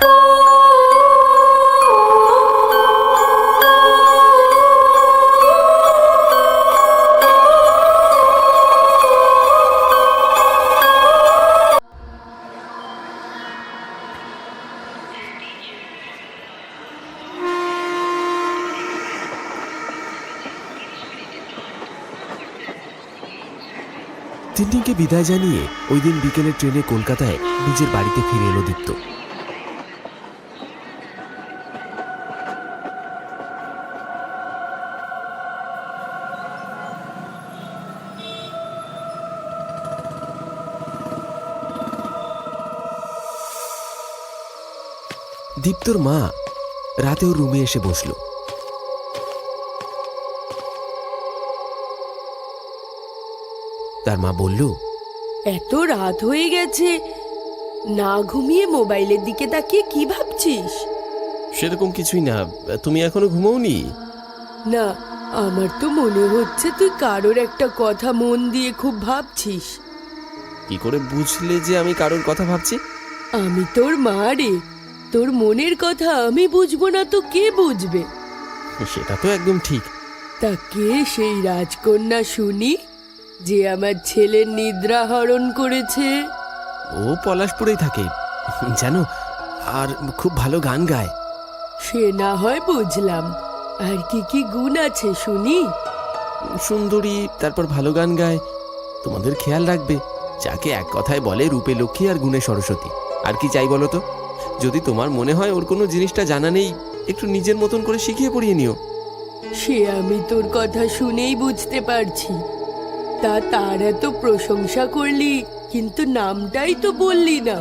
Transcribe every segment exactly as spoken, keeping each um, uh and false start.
তিন্নিকে বিদায় জানিয়ে ওই দিন বিকেলের ট্রেনে কলকাতায় নিজের বাড়িতে ফিরে এলো দীপ্ত। দীপ্তর মা রাতে ওর রুমে এসে বসল। তার মা বলল, এত রাত হয়ে গেছে, না ঘুমিয়ে মোবাইলের দিকে তাকিয়ে কি ভাবছিস? সেরকম কিছুই না, তুমি এখনো ঘুমোওনি? না, আমার তো মনে হচ্ছে তুই কারোর একটা কথা মন দিয়ে খুব ভাবছিস। কি করে বুঝলে যে আমি কারোর কথা ভাবছি? আমি তোর মা রে, তোর মনের কথা আমি বুঝবো না তো কে বুঝবে? সেটা তো একদম ঠিক। তা কে সেই রাজকন্যা শুনি যে আমার ছেলের নিদ্রা হরণ করেছে? ও পলাশপুরেই থাকে জানো, আর খুব ভালো গান গায়। সে না হয় বুঝলাম, আর কি কি গুণ আছে শুনি? সুন্দরী, তারপর ভালো গান গায়, তোমাদের খেয়াল রাখবে, যাকে এক কথায় বলে রূপে লক্ষ্মী আর গুণে সরস্বতী। আর কি চাই বলো তো? যদি তোমার মনে হয় ওর কোনো জিনিসটা জানা নেই, একটু নিজের মতন করে শিখিয়ে পড়িয়ে নিও। সে আমি তোর কথা শুনেই বুঝতে পারছি। তা তার এত প্রশংসা করলি, কিন্তু নামটাই তো বললি না।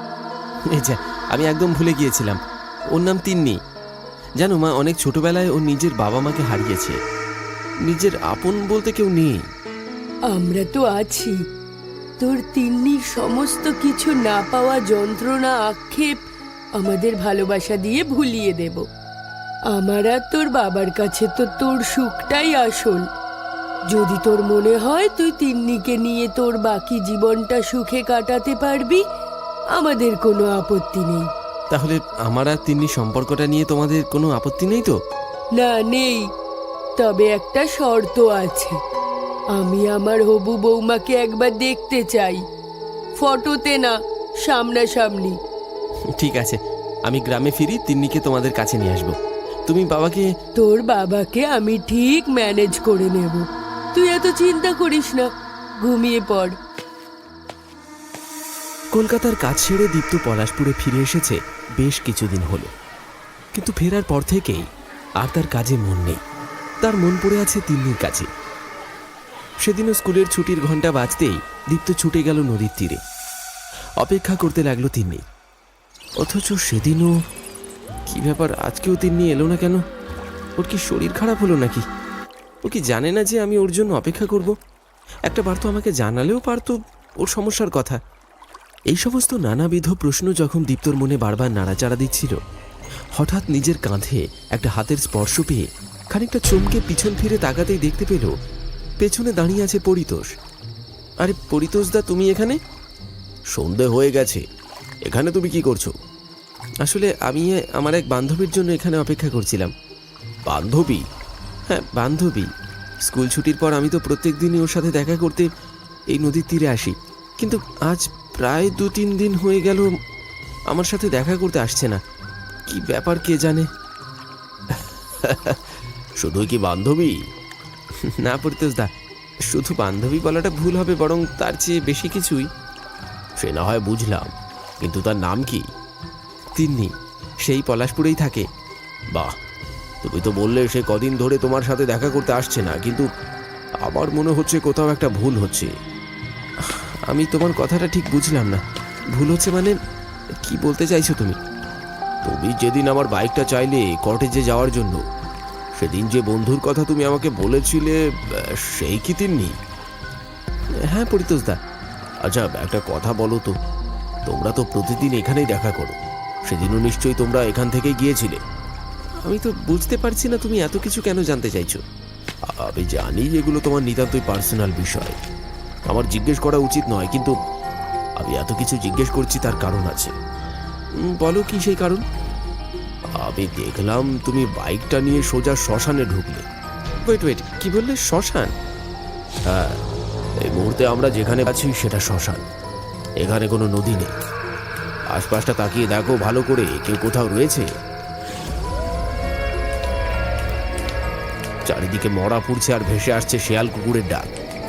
এই যা, আমি একদম ভুলে গিয়েছিলাম, ওর নাম তিন্নি। জানো মা, অনেক ছোটবেলায় ও নিজের বাবা মাকে হারিয়েছে, নিজের আপন বলতে কেউ নেই। আমরা তো আছি, তোর তিন্নির সমস্ত কিছু না পাওয়া যন্ত্রণা আক্ষেপ আমাদের ভালোবাসা দিয়ে ভুলিয়ে দেব। আমার আর তোর বাবার কাছে তো তোর সুখটাই আসল। যদি তোর মনে হয় তুই তিন্নিকে নিয়ে তোর বাকি জীবনটা সুখে কাটাতে পারবি, আমাদের কোনো আপত্তি নেই। তাহলে আমার আর তিন্নি সম্পর্কটা নিয়ে তোমাদের কোনো আপত্তি নেই তো? না, নেই। তবে একটা শর্ত আছে, আমি আমার হবু বৌমাকে একবার দেখতে চাই, ফটোতে না, সামনাসামনি। ঠিক আছে, আমি গ্রামে ফিরি, তিন্নিকে তোমাদের কাছে নিয়ে আসবো। তুমি বাবাকে... তোর বাবাকে আমি ঠিক ম্যানেজ করে নেব, তুই এত চিন্তা করিস না, ঘুমিয়ে পড়। কলকাতার কাজ ছেড়ে দীপ্ত পলাশপুরে ফিরে এসেছে বেশ কিছুদিন হলো, কিন্তু ফেরার পর থেকেই আর তার কাজে মন নেই। তার মন পড়ে আছে তিন্নির কাছে। সেদিনও স্কুলের ছুটির ঘন্টা বাজতেই দীপ্ত ছুটে গেল নদীর তীরে। অপেক্ষা করতে লাগলো তিন্নি, অথচ সেদিনও কি ব্যাপার, আজকেও তিন্নি এলো না কেন? ওর কি শরীর খারাপ হলো নাকি? ও কি জানে না যে আমি ওর জন্য অপেক্ষা করব? একটা বার তো আমাকে জানালেও পারতো ওর সমস্যার কথা। এই সমস্ত নানাবিধ প্রশ্ন যখন দীপ্তর মনে বারবার নাড়াচাড়া দিচ্ছিল, হঠাৎ নিজের কাঁধে একটা হাতের স্পর্শ পেয়ে খানিকটা চমকে পিছন ফিরে তাকাতেই দেখতে পেল পেছনে দাঁড়িয়ে আছে পরিতোষ। আরে পরিতোষ দা, তুমি এখানে? সন্ধে হয়ে গেছে, এখানে তুমি কি করছো? আসলে আমি আমার এক বান্ধবীর জন্য এখানে অপেক্ষা করছিলাম। বান্ধবী? হ্যাঁ, বান্ধবী। স্কুল ছুটির পর আমি তো প্রত্যেক দিনই ওর সাথে দেখা করতে এই নদীর তীরে আসি, কিন্তু আজ প্রায় দু তিন দিন হয়ে গেল আমার সাথে দেখা করতে আসছে না। কি ব্যাপার কে জানে। শুধুই কি বান্ধবী? না পরিতোষ দা, শুধু বান্ধবী বলাটা ভুল হবে, বরং তার চেয়ে বেশি কিছুই। সে না হয় বুঝলাম, কিন্তু তার নাম কি? তিন্নি, সেই পলাশপুরেই থাকে। বাহ, তুমি তো বললে সে কদিন ধরে তোমার সাথে দেখা করতে আসছে না, কিন্তু আমার মনে হচ্ছে কোথাও একটা ভুল হচ্ছে। আমি তোমার কথাটা ঠিক বুঝলাম না। ভুল হচ্ছে মানে কি বলতে চাইছো তুমি? তুমি যেদিন আমার বাইকটা চাইলে কটেজে যাওয়ার জন্য, সেদিন যে বন্ধুর কথা তুমি আমাকে বলেছিলে, সেই কি তিন্নি? হ্যাঁ পরিতোষ দা। আচ্ছা, একটা কথা বলো তো, তোমরা তো প্রতিদিন এখানেই দেখা করো, সেদিনও নিশ্চয়ই তোমরা এখান থেকেই গিয়েছিলে। আমি তো বুঝতে পারছি না তুমি এত কিছু কেন জানতে চাইছো। আমি জানি এগুলো তোমার নিতান্তই পার্সোনাল বিষয়, আমার জিজ্ঞেস করা উচিত নয়, কিন্তু আমি এত কিছু জিজ্ঞেস করছি তার কারণ আছে। উম, বলো কি সেই কারণ? আমি দেখলাম তুমি বাইকটা নিয়ে সোজা শ্মশানে ঢুকলে। ওয়েট ওয়েট কি বললে, শ্মশান? হ্যাঁ, এই মুহূর্তে আমরা যেখানে আছি সেটা শ্মশান। এখানে কোনো নদী নেই। আশপাশটা তাকিয়ে দেখো ভালো করে, কেউ কোথাও রয়েছে? চারিদিকে মরা পুড়ছে আর ভেসে আসছে শেয়াল কুকুরের ডাক।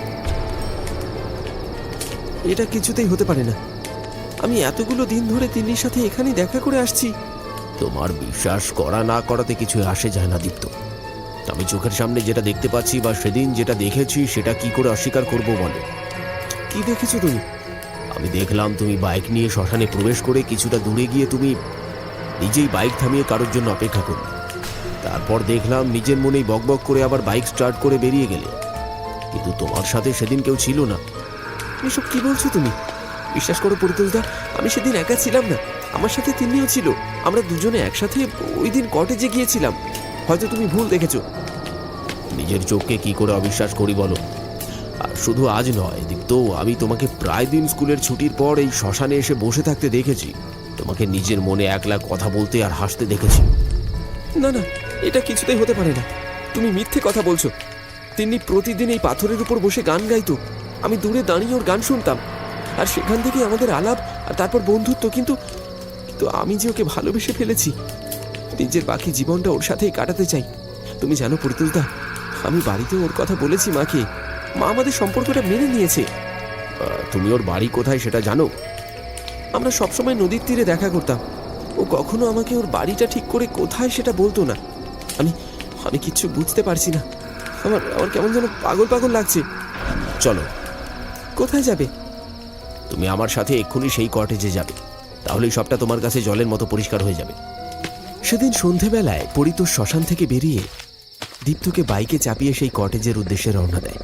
এটা কিছুতেই হতে পারে না। আমি এতগুলো দিন ধরে তিন্নির সাথে এখানেই দেখা করে আসছি। তোমার বিশ্বাস করা না করাতে কিছু আসে যায় না দীপ্ত। আমি চোখের সামনে যেটা দেখতে পাচ্ছি বা সেদিন যেটা দেখেছি সেটা কি করে অস্বীকার করব বলো? কি দেখেছো তুমি? আমি দেখলাম তুমি বাইক নিয়ে শ্মশানে প্রবেশ করে কিছুটা দূরে গিয়ে তুমি নিজেই বাইক থামিয়ে কারোর জন্য অপেক্ষা করলে। তারপর দেখলাম নিজের মনেই বকবক করে আবার বাইক স্টার্ট করে বেরিয়ে গেলে। কিন্তু তোমার সাথে সেদিন কেউ ছিল না। এসব কি বলছো তুমি? বিশ্বাস করো পরিতোষদা, আমি সেদিন একা ছিলাম না, আমার সাথে তিন্নিও ছিল। আমরা দুজনে একসাথে ওই দিন কটেজে গিয়েছিলাম। হয়তো তুমি ভুল দেখেছো। নিজের চোখকে কি করে অবিশ্বাস করি বলো? আর শুধু আজ নয় দীপ্ত, আমি তোমাকে প্রায় দিন স্কুলের ছুটির পর এই শ্মশানে এসে বসে থাকতে দেখেছি। তোমাকে নিজের মনে একলা কথা বলতে আর হাসতে দেখেছি। না না, এটা কিছুতেই হতে পারে না। তুমি মিথ্যে কথা বলছো। তিন্নি প্রতিদিন এই পাথরের উপর বসে গান গাইতো। আমি দূরে দাঁড়িয়ে ওর গান শুনতাম, আর সেখান থেকে আমাদের আলাপ আর তারপর বন্ধুত্ব। কিন্তু কিন্তু আমি যে ওকে ভালোবেসে ফেলেছি, নিজের বাকি জীবনটা ওর সাথেই কাটাতে চাই। তুমি জানো পরিতোষদা, আমি বাড়িতে ওর কথা বলেছি মাকে। মা আমাদের সম্পর্কটা মেনে নিয়েছে। তুমি ওর বাড়ি কোথায় সেটা জানো? আমরা সবসময় নদীর তীরে দেখা করতাম। ও কখনো আমাকে ওর বাড়িটা ঠিক করে কোথায় সেটা বলতো না। আমি আমি কিচ্ছু বুঝতে পারছি না। আমার আমার কেমন যেন পাগল পাগল লাগছে। চলো। কোথায় যাবে? তুমি আমার সাথে এক্ষুনি সেই কটেজে যাবে, তাহলেই সবটা তোমার কাছে জলের মতো পরিষ্কার হয়ে যাবে। সেদিন সন্ধেবেলায় পরিতোষ শ্মশান থেকে বেরিয়ে দীপ্তকে বাইকে চাপিয়ে সেই কটেজের উদ্দেশ্যে রওনা দেয়।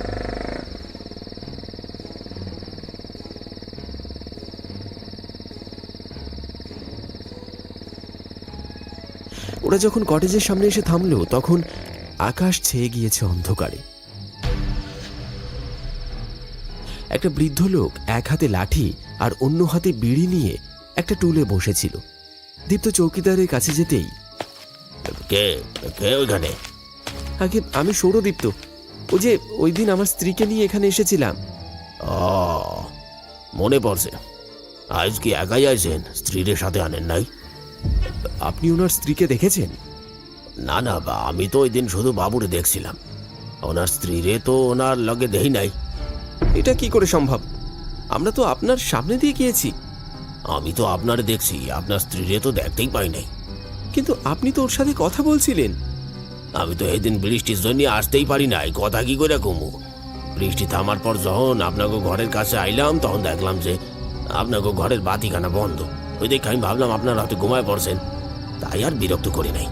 ওরা যখন কটেজের সামনে এসে থামলো, তখন আকাশ ছেয়ে গিয়েছে অন্ধকারে। একটা বৃদ্ধ লোক এক হাতে লাঠি আর অন্য হাতে বিড়ি নিয়ে একটা টুলে বসেছিল। দীপ্ত চৌকিদারের কাছে যেতেই, কে কে ওইখানে? আগে আমি সৌরদীপ্ত। ও যে ওই দিন আমার স্ত্রীকে নিয়ে এখানে এসেছিলাম। ও, মনে পড়ছে। আজ কি একাই আছেন? স্ত্রীর সাথে আনেন নাই? আপনি ওনার স্ত্রীকে দেখেছেন? না না, বা আমি তো ওই দিন শুধু বাবুরে দেখছিলাম। ওনার স্ত্রীরে তো ওনার লগে দেই নাই। এটা কি করে সম্ভব? আমরা তো আপনার সামনে দিয়ে গিয়েছি। আমি তো আপনারে দেখছি, আপনার স্ত্রীরে তো দেখতেই পাই নাই। কিন্তু আপনি তো ওর সাথে কথা বলছিলেন। আমি তো এই দিন বৃষ্টির জন্য আসতেই পারি নাই, কথা কি করে কমু। বৃষ্টি থামার পর যখন আপনাকে ঘরের কাছে আইলাম, তখন দেখলাম যে আপনাকে ঘরের বাতিখানা বন্ধ। ওই দেখে আমি ভাবলাম আপনার রাতে ঘুমায় পড়ছেন, তাই আর বিরক্ত করি নাই।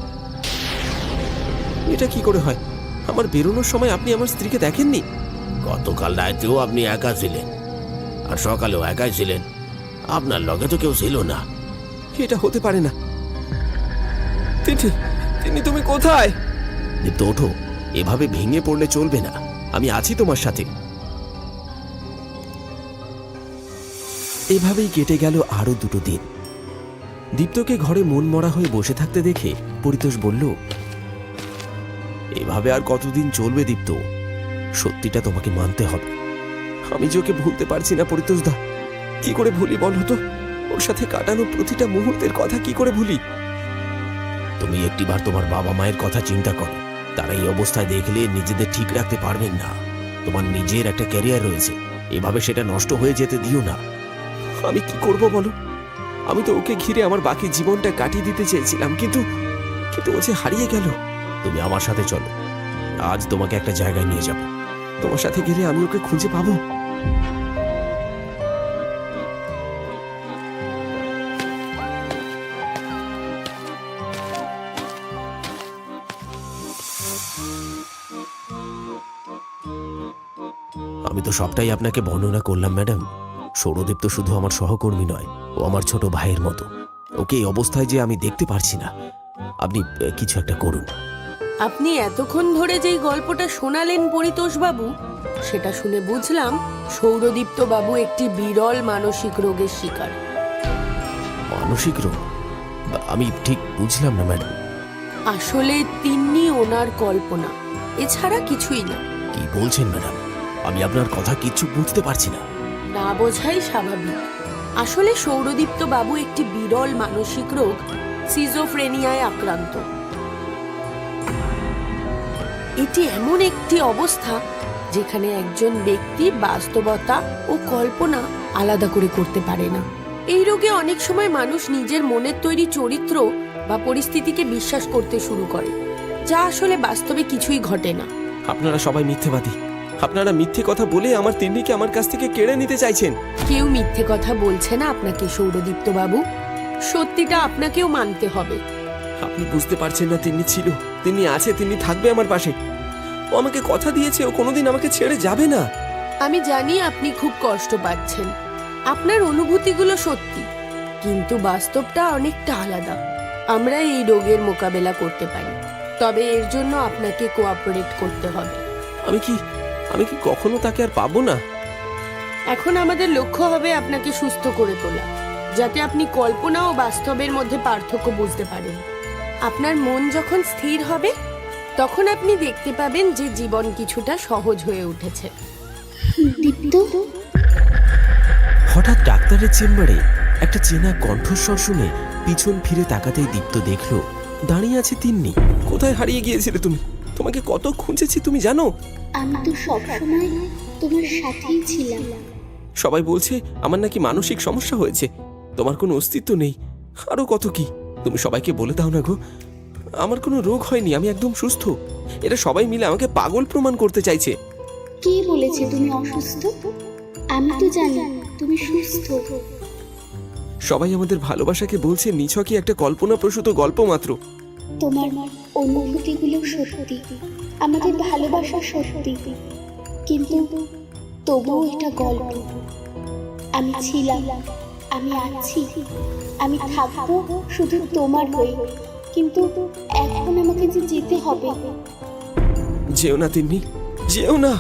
এটা কি করে হয়? আমার বেরোনোর সময় আপনি আমার স্ত্রীকে দেখেননি? গতকাল রাতেও আপনি একা ছিলেন, আর সকালেও একাই ছিলেন। আপনার লগে তো কেউ ছিল না। এটা হতে পারে না। তিন্নি, তিন্নি তুমি কোথায়? দীপ্ত ওঠো, এভাবে ভেঙে পড়লে চলবে না। আমি আছি তোমার সাথে। এভাবেই কেটে গেল আরো দুটো দিন। দীপ্তকে ঘরে মন মরা হয়ে বসে থাকতে দেখে পরিতোষ বলল, এভাবে আর কতদিন চলবে দীপ্ত? সত্যিটা তোমাকে মানতে হবে। আমি যে ওকে ভুলতে পারছি না পরিতোষদা। কি করে ভুলি বল হতো? ওর সাথে কাটানো প্রতিটা মুহূর্তের কথা কি করে ভুলি? তুমি একটিবার তোমার বাবা মায়ের কথা চিন্তা করো। তারা এই অবস্থায় দেখলে নিজেদের ঠিক রাখতে পারবেন না। তোমার নিজের একটা ক্যারিয়ার রয়েছে, এভাবে সেটা নষ্ট হয়ে যেতে দিও না। আমি কি করব বলো? আমি তো ওকে ঘিরে আমার বাকি জীবনটা কাটিয়ে দিতে চেয়েছিলাম, কিন্তু কিন্তু ও যে হারিয়ে গেল। তুমি আমার সাথে চলো, আজ তোমাকে একটা জায়গায় নিয়ে যাব। তোমার সাথে গেলে আমি ওকে খুঁজে পাবো। আমি তো সবটাই আপনাকে বর্ণনা করলাম ম্যাডাম। সৌরদীপ তো শুধু আমার সহকর্মী নয়, ও আমার ছোট ভাইয়ের মতো। ওকে এই অবস্থায় যে আমি দেখতে পারছি না। আপনি কিছু একটা করুন। আপনি এতক্ষণ ধরে যেই গল্পটা শোনালেন পরিতোষ বাবু, সেটা শুনে বুঝলাম সৌরদীপ্ত বাবু একটি বিরল মানসিক রোগের শিকার। মানসিক রোগ? আমি ঠিক বুঝলাম না ম্যাডাম। আসলে তিন্নি ওনার কল্পনা, এছাড়া কিছুই না। কি বলছেন ম্যাডাম? আমি আপনার কথা কিচ্ছু বুঝতে পারছি না। না বোঝাই স্বাভাবিক। আসলে সৌরদীপ্ত বাবু একটি বিরল মানসিক রোগ সিজোফ্রেনিয়ায় আক্রান্ত। এটি এমন একটি অবস্থা যেখানে একজন ব্যক্তি বাস্তবতা ও কল্পনা আলাদা করে করতে পারে না। এই রোগে অনেক সময় মানুষ নিজের মনের তৈরি চরিত্র বা পরিস্থিতিকে বিশ্বাস করতে শুরু করে, যা আসলে বাস্তবে কিছুই ঘটে না। আপনারা সবাই মিথ্যেবাদী। আপনারা মিথ্যে কথা বলে আমার তিন্নিকে আমার কাছ থেকে কেড়ে নিতে চাইছেন। কেউ মিথ্যে কথা বলছে না আপনাকে সৌরদীপ্ত বাবু, সত্যিটা আপনাকেও মানতে হবে। আপনি বুঝতে পারছেন না, তিন্নি ছিল, তিন্নি আছে, তিন্নি থাকবে আমার পাশে। ও আমাকে কথা দিয়েছে ও কোনোদিন আমাকে ছেড়ে যাবে না। আমি জানি আপনি খুব কষ্ট পাচ্ছেন, আপনার অনুভূতিগুলো সত্যি, কিন্তু বাস্তবটা অনেকটা আলাদা। আমরা এই রোগের মোকাবেলা করতে পারি, তবে এর জন্য আপনাকে কোঅপারেট করতে হবে। আমি কি আমি কি কখনো তাকে আর পাবো না? এখন আমাদের লক্ষ্য হবে আপনাকে সুস্থ করে তোলা, যাতে আপনি কল্পনা ও বাস্তবের মধ্যে পার্থক্য বুঝতে পারেন। আপনার মন যখন স্থির হবে তখন আপনি দেখতে পাবেন যে জীবন কিছুটা সহজ হয়ে উঠেছে। দীপ্ত, হঠাৎ ডাক্তারের চেম্বারে একটা চেনা কণ্ঠস্বর শুনে পিছন ফিরে তাকাতেই দীপ্ত দেখলো দাঁড়িয়ে আছে তিন্নি। কোথায় হারিয়ে গিয়েছিলে তুমি? তোমাকে কত খুঁজেছি তুমি জানো? আমি তো সবসময় তোমার সাথেই ছিলাম। সবাই বলছে আমার নাকি মানসিক সমস্যা হয়েছে, তোমার কোনো অস্তিত্ব নেই, আরো কত কি। তুমি সবাইকে বলে দাও না গো, আমার কোনো রোগ হয়নি, আমি একদম সুস্থ। এরা সবাই মিলে আমাকে পাগল প্রমাণ করতে চাইছে। কে বলেছে তুমি অসুস্থ? আমি তো জানি তুমি সুস্থ। সবাই আমাদের ভালোবাসাকে বলছে নিছকই একটা কল্পনাপ্রসূত গল্প মাত্র। তোমার অনুভূতিগুলো সত্যি, আমাদের ভালোবাসা সত্যি, কিন্তু তবুও এটা গল্প। আমি ছিলাম, আমি আছি, আমি থাকবো শুধু তোমার হয়ে, কিন্তু এখন আমাকে যে যেতে হবে। যেও না তিন্নি, যেও না।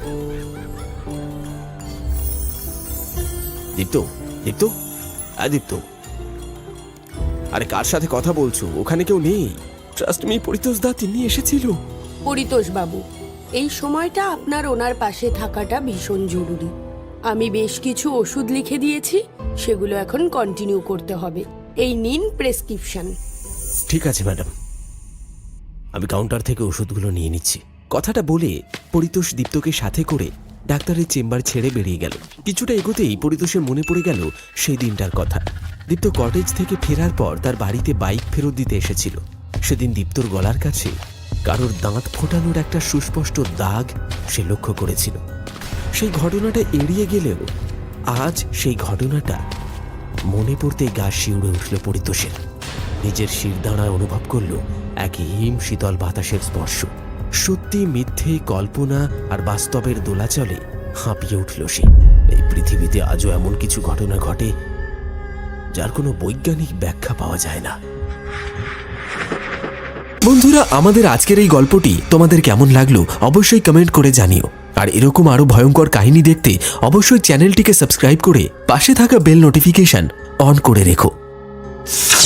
দীপ্ত, দীপ্ত, আদিত্য, আরে কার সাথে কথা বলছো? ওখানে কেউ নেই। ট্রাস্ট মি পরিতোষ দা, তিন্নি এসেছিল। পরিতোষ বাবু, এই সময়টা আপনার ওনার পাশে থাকাটা ভীষণ জরুরি। আমি বেশ কিছু ওষুধ লিখে দিয়েছি, সেগুলো এখন কন্টিনিউ করতে হবে। এই নিন প্রেসক্রিপশন। ঠিক আছে ম্যাডাম, আমি কাউন্টার থেকে ওষুধগুলো নিয়ে নিচ্ছি। কথাটা বলে পরিতোষ দীপ্তকে সাথে করে ডাক্তারের চেম্বার ছেড়ে বেরিয়ে গেল। কিছুটা এগোতেই পরিতোষের মনে পড়ে গেল সেই দিনটার কথা। দীপ্ত কটেজ থেকে ফেরার পর তার বাড়িতে বাইক ফেরত দিতে এসেছিল। সেদিন দীপ্তর গলার কাছে কারোর দাঁত ফোটানোর একটা সুস্পষ্ট দাগ সে লক্ষ্য করেছিল। সেই ঘটনাটা এড়িয়ে গেলেও আজ সেই ঘটনাটা মনে পড়তেই গা শিউরে উঠল পরিতোষের। নিজের শিরদাঁড়ায় অনুভব করল এক হিম শীতল বাতাসের স্পর্শ। সত্যি মিথ্যে, কল্পনা আর বাস্তবের দোলাচলে হাঁপিয়ে উঠল সে। এই পৃথিবীতে আজও এমন কিছু ঘটনা ঘটে যার কোনো বৈজ্ঞানিক ব্যাখ্যা পাওয়া যায় না। বন্ধুরা, আমাদের আজকের এই গল্পটি তোমাদের কেমন লাগলো অবশ্যই কমেন্ট করে জানিও। আর এরকম আরো ভয়ঙ্কর কাহিনী দেখতে অবশ্যই চ্যানেলটিকে সাবস্ক্রাইব করে পাশে থাকা বেল নোটিফিকেশন অন করে রেখো।